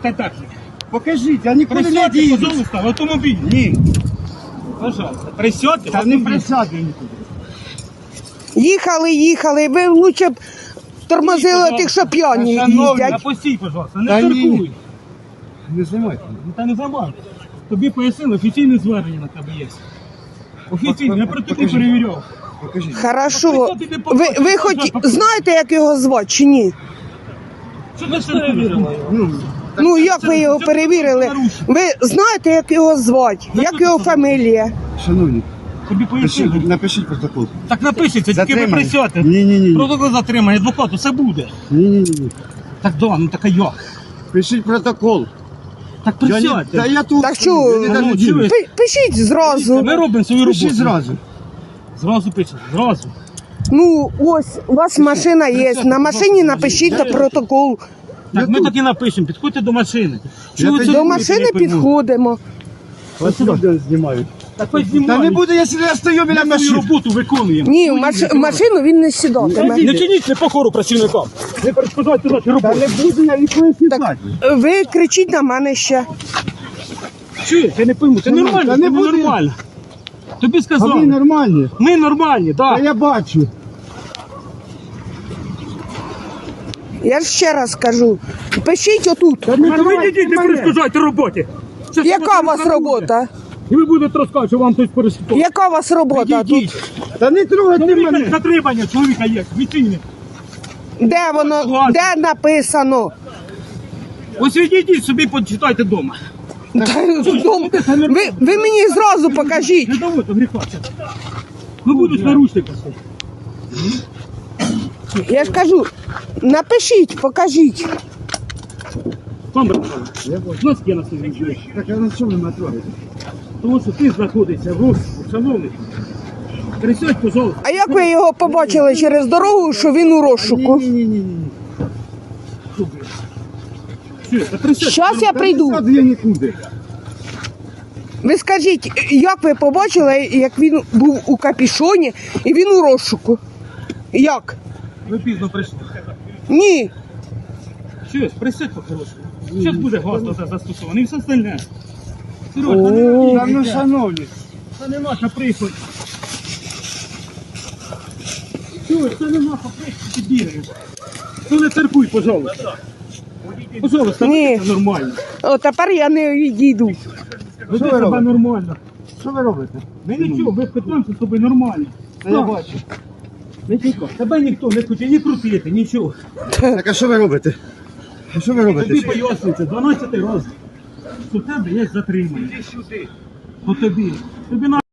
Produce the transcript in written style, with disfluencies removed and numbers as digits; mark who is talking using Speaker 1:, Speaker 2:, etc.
Speaker 1: та техніки.
Speaker 2: Покажіть, я нікуди не
Speaker 1: Присядьте,
Speaker 2: їду.
Speaker 1: пожалуйста, в автомобіль.
Speaker 2: Ні.
Speaker 1: Пожалуйста, присядьте в
Speaker 2: Та не
Speaker 1: автомобіль.
Speaker 2: присяду нікуди.
Speaker 3: Їхали, ви лучше б тормозили тих, що п'яні
Speaker 2: Шановні,
Speaker 3: їздять.
Speaker 1: Напустіть, пожалуйста, не
Speaker 2: Та ні.
Speaker 1: циркуй.
Speaker 2: Не знімайте.
Speaker 1: Ну, та не забавте. Тобі пояснили, офіційне звернення на тебе є. Офіційне, я протокол
Speaker 2: Покажіть.
Speaker 1: перевіряв.
Speaker 2: Покажіть.
Speaker 3: Хорошо. Ви хоч знаєте, як його звати чи ні?
Speaker 1: Що ви перевірили?
Speaker 3: Ну, як ви його перевірили? Ви знаєте, як його звати? Як його фамілія?
Speaker 2: Шановні,
Speaker 1: Тобі пояснили.
Speaker 2: напишіть протокол.
Speaker 1: Так напишеться, тільки ви
Speaker 2: Затримання.
Speaker 1: присядьте.
Speaker 2: Ні.
Speaker 1: Протокол затримання, адвокат, все буде.
Speaker 2: Ні.
Speaker 1: Так да, ну така як?
Speaker 2: Пишіть протокол.
Speaker 1: Так
Speaker 2: Та
Speaker 1: присядьте.
Speaker 2: я тут.
Speaker 3: Так що,
Speaker 2: Я не дам
Speaker 1: ну,
Speaker 2: ділу.
Speaker 1: чуєш?
Speaker 3: Пишіть зразу.
Speaker 1: Ми робимо свою роботу.
Speaker 2: Пишіть зразу.
Speaker 1: Зразу пишемо, зразу.
Speaker 3: Ну, ось, у вас машина є. На машині напишіть на протокол.
Speaker 1: Так, ми так і напишемо, підходьте до машини.
Speaker 2: Я
Speaker 1: ви
Speaker 2: тоді-
Speaker 1: це
Speaker 3: До
Speaker 1: робите,
Speaker 3: машини
Speaker 1: я пойму?
Speaker 3: підходимо.
Speaker 2: Ось сюди знімають.
Speaker 1: Так хоч
Speaker 2: Та
Speaker 1: знімають.
Speaker 2: не буде, якщо я стою біля
Speaker 1: Ми свою
Speaker 2: машини.
Speaker 1: роботу виконуємо.
Speaker 3: Ні, в машину він не сідатиме.
Speaker 1: Не чиніть непокору працівникам. Не перешкоджайте нашій
Speaker 2: Та
Speaker 1: роботі.
Speaker 2: не буду я ніколи сідати.
Speaker 3: Ви кричіть на мене ще.
Speaker 1: Чуєш, я не пойму, це
Speaker 2: Та
Speaker 1: нормально,
Speaker 2: не
Speaker 1: це не
Speaker 2: буде.
Speaker 1: нормально. Тобі
Speaker 2: А ви
Speaker 1: сказали.
Speaker 2: нормальні.
Speaker 1: Ми нормальні,
Speaker 2: Та
Speaker 1: так.
Speaker 2: я бачу.
Speaker 3: Я ж ще раз кажу. Пишіть отут.
Speaker 2: Та не
Speaker 1: Ви йдіть, не
Speaker 2: мене.
Speaker 1: перешкоджайте роботі. Щас
Speaker 3: Яка
Speaker 1: вас
Speaker 3: у вас
Speaker 1: розкажуть.
Speaker 3: робота?
Speaker 1: І ви будете розказувати, що вам хтось перешкоджає.
Speaker 3: Яка у вас робота тут?
Speaker 1: Йдіть.
Speaker 2: Та не трогайте
Speaker 1: Чоловіка
Speaker 2: мене.
Speaker 1: затримання чоловіка є, офіційне.
Speaker 3: Де воно? Де написано?
Speaker 1: Ось відійдіть собі, почитайте вдома.
Speaker 3: Ви мені зразу покажіть.
Speaker 1: Не доводьте гріха. Ну будуть наручники.
Speaker 3: Я ж кажу, напишіть, покажіть.
Speaker 1: Пан Братан, у нас є на собі життя.
Speaker 2: Так, а на що ви мене трогаєте?
Speaker 1: Тому що ти знаходишся в розшуку, шановний. Присядь, пожалуйста.
Speaker 3: А як ви його побачили через дорогу, що він у розшуку?
Speaker 2: Ні.
Speaker 1: Що, та присядь.
Speaker 3: Щас я прийду.
Speaker 2: Сяду я нікуди.
Speaker 3: Ви скажіть, як ви побачили, як він був у капішоні і він у розшуку? Як?
Speaker 1: Ви пізно прийшли.
Speaker 3: Ні.
Speaker 1: Що, присядь по-хорошому. Зараз буде газ це застосований і все остальне. Сереж, та не
Speaker 2: Та ну, шановні.
Speaker 1: Це не наша прихоть. Чуєш, це не наша прихоть, ти бігаєш. Ну не церкуй, пожалуйста. Пожалуйста,
Speaker 3: Ні.
Speaker 1: веди себе нормально.
Speaker 3: О, тепер я не відійду.
Speaker 1: Веди
Speaker 2: ви
Speaker 1: себе
Speaker 2: робите?
Speaker 1: нормально.
Speaker 2: Що ви робите?
Speaker 1: Ми нічого, ми питаємося з тобою нормально.
Speaker 2: Та я бачу.
Speaker 1: Не тікай. Тебе ніхто не хоче ні крутити, нічого.
Speaker 2: Так, а що ви робите? А що ви
Speaker 1: Тобі
Speaker 2: робите?
Speaker 1: пояснюється 12 разів, що в тебе є затримання. По тобі. Тобі